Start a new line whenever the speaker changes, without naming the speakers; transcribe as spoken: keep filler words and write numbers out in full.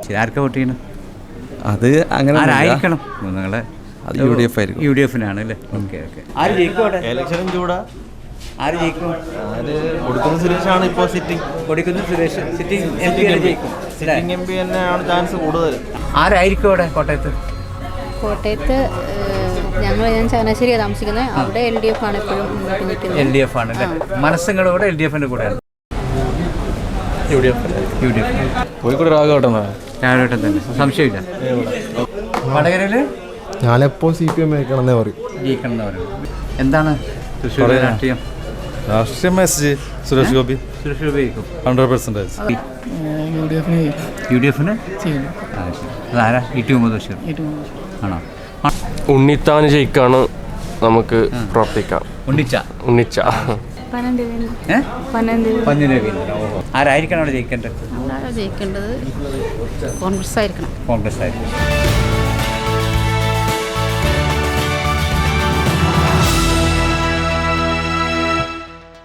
ശരി. ആർക്കാ വോട്ട് ചെയ്യണം?
അത് അങ്ങനെ
ആരായിരിക്കണം നിങ്ങളെ?
അത് യു ഡി എഫ് ആയിരിക്കും.
യു ഡി എഫിനാണ് അല്ലേ? Okay okay. ആര് ജയിക്കും അവിടെ?
ഇലക്ഷനും ചൂടാ.
ആര് ജയിക്കും?
ആര് കൊടുക്കുന്ന സുരേഷാണ് ഇപ്പോൾ സിറ്റിംഗ്.
കൊടുക്കുന്ന സുരേഷ് സിറ്റിംഗ് എം പി ജയിക്കും.
സിറ്റിംഗ് എം പി തന്നെയാണ് ചാൻസ് കൂടുതൽ.
ആരായിരിക്കും അവിടെ കോട്ടയത്ത്?
കോട്ടയത്ത് ഞങ്ങൾ ഞാൻ ചങ്ങനാശ്ശേരിയാണ് താമസിക്കുന്നത്. അവിടെ എൽ ഡി എഫ് ആണ് എപ്പോഴും മുന്നോട്ട് നിൽക്കുന്നത്.
എൽ ഡി എഫ് ആണ് അല്ലേ? മനസ്സുങ്ങളുടെ കൂടെ എൽ ഡി എഫിൻ്റെ കൂടെയാണ്.
U D F.
U D F.
Kozhikode രാഘവട്ടം
രാഘവട്ടം തന്നെ, സംശയമില്ല. വടകരയിൽ
ഞാനെപ്പോൾ സി പി എം ആയിക്കണമെന്നേ പറയും.
ജയിക്കണം എന്ന് പറയുന്നത്. എന്താണ് തൃശ്ശൂർ രാഷ്ട്രീയം?
രാഷ്ട്രീയ മെസ്സേജ് സുരേഷ് ഗോപി
സുരേഷ് ഗോപി ജയിക്കും.
Hundred percentage.
യു ഡി എഫിന് അതാരാ? ഇ ടി മുഹമ്മദ് ബഷീർ ആണോ?
ഉണ്ണിത്താൻ ജയിക്കാണ് നമുക്ക് പ്രവർത്തിക്കാം.
ഉണ്ണിച്ച
ഉണ്ണിച്ച
പന്നി രവീന്ദ്രൻ. ഓഹോ. ആരായിരിക്കണം അവിടെ ജയിക്കേണ്ടത്?
ജയിക്കേണ്ടത് കോൺഗ്രസ് ആയിരിക്കണം.
കോൺഗ്രസ് ആയിരിക്കും.